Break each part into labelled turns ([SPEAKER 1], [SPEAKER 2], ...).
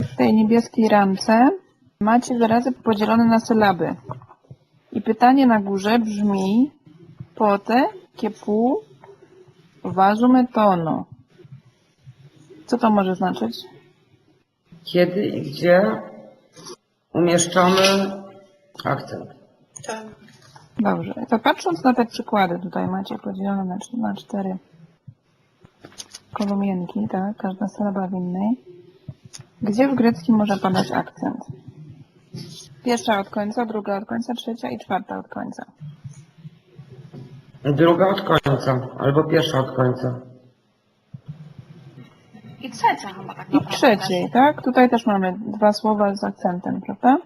[SPEAKER 1] W tej niebieskiej ramce macie wyrazy podzielone na sylaby. I pytanie na górze brzmi pote che pu vaso tono. Co to może znaczyć?
[SPEAKER 2] Kiedy i gdzie umieszczamy akcent.
[SPEAKER 3] Tak.
[SPEAKER 1] Dobrze. To patrząc na te przykłady, tutaj macie podzielone na 4 kolumienki, tak? Każda sylaba w innej. Gdzie w greckim może padać akcent? Pierwsza od końca, druga od końca, trzecia i czwarta od końca.
[SPEAKER 2] Druga od końca, albo pierwsza od końca.
[SPEAKER 3] I trzecia chyba tak
[SPEAKER 1] I w trzeciej, tak? Tutaj też mamy 2 słowa z akcentem, prawda?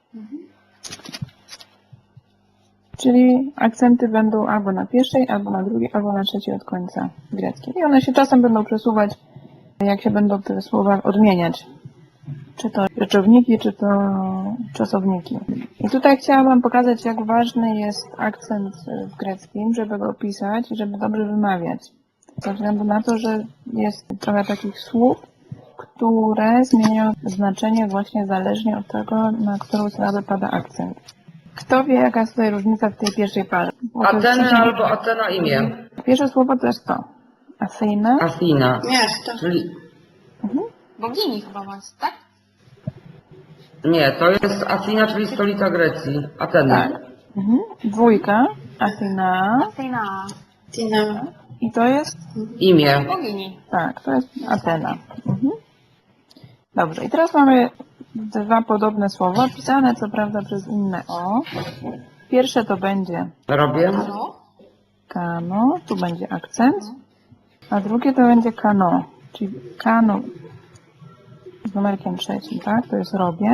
[SPEAKER 1] Czyli akcenty będą albo na pierwszej, albo na drugiej, albo na trzeciej od końca greckim. I one się czasem będą przesuwać, jak się będą te słowa odmieniać. Czy to rzeczowniki, czy to czasowniki. I tutaj chciałabym pokazać, jak ważny jest akcent w greckim, żeby go pisać i żeby dobrze wymawiać. Ze względu na to, że jest trochę takich słów, które zmieniają znaczenie właśnie zależnie od tego, na którą sylabę pada akcent. Kto wie, jaka jest tutaj różnica w tej pierwszej parze?
[SPEAKER 2] Ateny albo Atena imię.
[SPEAKER 1] Pierwsze słowo to jest to. Athena.
[SPEAKER 2] Athena.
[SPEAKER 3] Miasto.
[SPEAKER 2] Czyli
[SPEAKER 3] Bogini chyba was, tak?
[SPEAKER 2] nie, to jest Athena, czyli stolica Grecji. Ateny.
[SPEAKER 1] Tak. Dwójka. Athena.
[SPEAKER 3] Athena. Tina.
[SPEAKER 1] I to jest?
[SPEAKER 2] Imię.
[SPEAKER 3] Bogini.
[SPEAKER 1] Tak, to jest Atena. Dobrze. I teraz mamy 2 podobne słowa, pisane co prawda przez inne o. Pierwsze to będzie
[SPEAKER 2] Robię.
[SPEAKER 3] Halo?
[SPEAKER 1] kano, tu będzie akcent, a drugie to będzie kano, czyli kano z numerkiem 3, tak? To jest robię.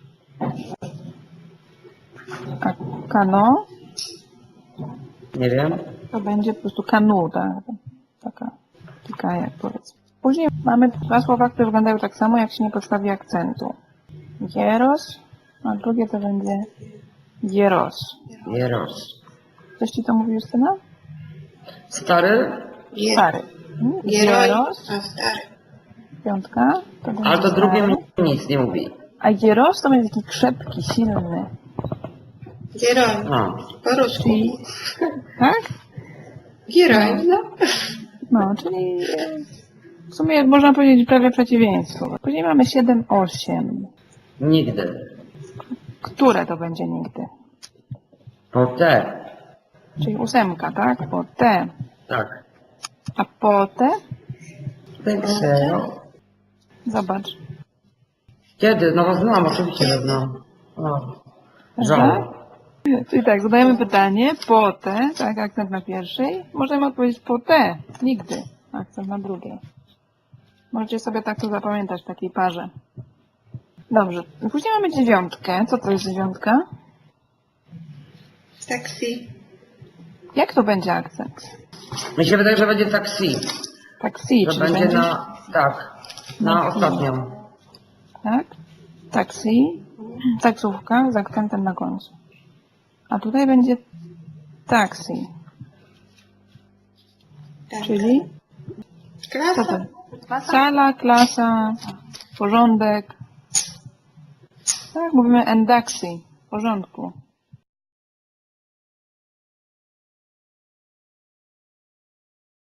[SPEAKER 1] A kano
[SPEAKER 2] Nie wiem.
[SPEAKER 1] to będzie po prostu kanu, tak? Taka jak powiedzmy. Później mamy 2 słowa, które wyglądają tak samo, jak się nie podstawi akcentu. Hieros, a drugie to będzie hieros.
[SPEAKER 2] Jeros.
[SPEAKER 1] Coś ci to mówi Justyna?
[SPEAKER 2] Stary?
[SPEAKER 1] Stary. Hieros,
[SPEAKER 3] A stary.
[SPEAKER 1] 5, to będzie
[SPEAKER 2] Ale to drugie
[SPEAKER 1] stary.
[SPEAKER 2] mi nic nie mówi.
[SPEAKER 1] A hieros to będzie taki krzepki, silny.
[SPEAKER 3] Герой.
[SPEAKER 2] A.
[SPEAKER 3] Po-rusku.
[SPEAKER 1] Czyli, tak?
[SPEAKER 3] Герой, no.
[SPEAKER 1] No, czyli w sumie można powiedzieć prawie przeciwieństwo. Później mamy 7, 8.
[SPEAKER 2] Nigdy.
[SPEAKER 1] Które to będzie nigdy?
[SPEAKER 2] Po te.
[SPEAKER 1] Czyli 8, tak? Po te.
[SPEAKER 2] Tak.
[SPEAKER 1] A po te?
[SPEAKER 2] Penseo.
[SPEAKER 1] Zobacz.
[SPEAKER 2] Kiedy? No znam, oczywiście, że znam. O. Żal.
[SPEAKER 1] Czyli tak, zadajemy pytanie, po te, tak, akcent na pierwszej. Możemy odpowiedzieć po te, nigdy, akcent na drugiej. Możecie sobie tak to zapamiętać w takiej parze. Dobrze, później mamy 9. Co to jest 9?
[SPEAKER 3] Taksi.
[SPEAKER 1] Jak to będzie akcent?
[SPEAKER 2] Mi się wydaje, że będzie taksi.
[SPEAKER 1] Taksi,
[SPEAKER 2] Że
[SPEAKER 1] czyli
[SPEAKER 2] będzie na... Tak. Na ostatnią.
[SPEAKER 1] Tak? Taksi, taksówka z akcentem na końcu. A tutaj będzie taksi,
[SPEAKER 3] Tak.
[SPEAKER 1] czyli co to?
[SPEAKER 3] Klasa.
[SPEAKER 1] Sala, klasa, porządek. Tak, mówimy endaksi, w porządku.